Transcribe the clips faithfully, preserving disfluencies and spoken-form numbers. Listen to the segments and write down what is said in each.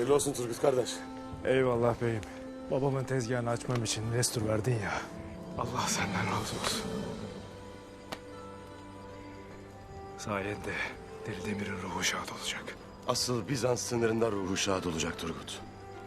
Hayırlı olsun Turgut kardeş. Eyvallah beyim. Babamın tezgahını açmam için destur verdin ya. Allah senden razı olsun. Sayende Deli Demir'in ruhu şad olacak. Asıl Bizans sınırında ruhu şad olacak Turgut.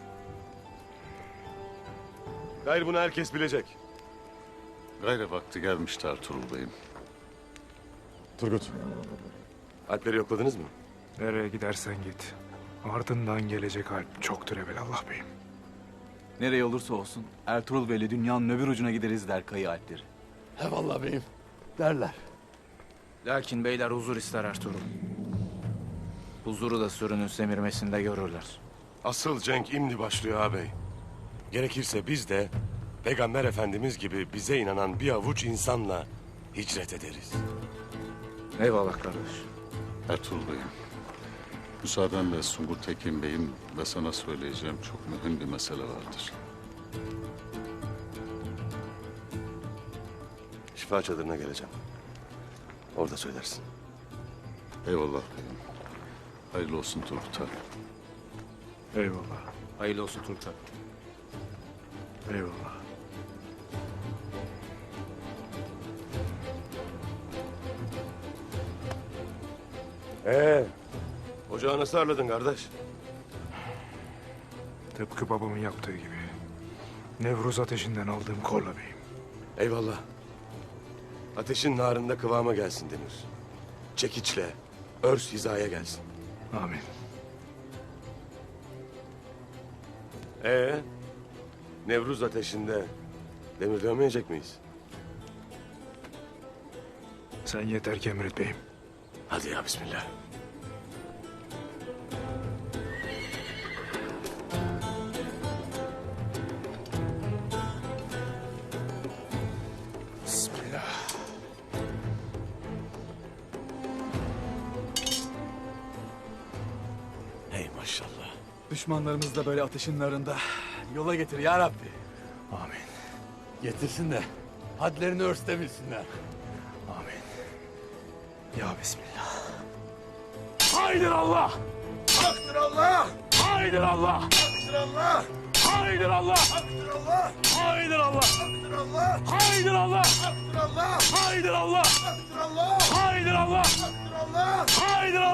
Gayrı bunu herkes bilecek. Gayrı vakti gelmişti Ertuğrul Bey'im. Turgut. Alpleri yokladınız mı? Nereye gidersen git. Ardından gelecek alp çoktur evelallah beyim. Nereye olursa olsun Ertuğrul Bey'le dünyanın öbür ucuna gideriz der Kayı Alpleri. Eyvallah beyim derler. Lakin beyler huzur ister Ertuğrul. Huzuru da sürünün semirmesinde görürler. Asıl cenk imdi başlıyor ağabey. Gerekirse biz de Peygamber Efendimiz gibi bize inanan bir avuç insanla hicret ederiz. Eyvallah kardeş. Ertuğrul Bey'im. Müsaadenle Sungur Tekin Bey'im ve sana söyleyeceğim çok mühim bir mesele vardır. Şifa çadırına geleceğim. Orada söylersin. Eyvallah beyim. Hayırlı olsun Turgut Harp. Eyvallah. Hayırlı olsun Turgut abi. Eyvallah. Ee, ocağı nasıl ağırladın kardeş? Tıpkı babamın yaptığı gibi. Nevruz ateşinden aldığım korla beyim. Eyvallah. Ateşin narında kıvama gelsin Demir. Çekiçle, örs hizaya gelsin. Amin. Ee, Nevruz ateşinde demir dövmeyecek miyiz? Sen yeter ki emret beyim. Hadi ya bismillah. Bismillah. Hey maşallah. Düşmanlarımız da böyle ateşin narında yola getir ya Rabbi. Amin. Getirsin de hadlerini örstebilsinler. Amin. Ya Bismillah. Haydır Allah! Haktır Allah! Haydır Allah! Haktır Allah! Haydır Allah! Haktır Allah! Haydır Allah! Haktır Allah! Haydır Allah! Haktır Allah! Haydır Allah! Haktır Allah! Haydır Allah! Haktır Allah! Haydır Allah!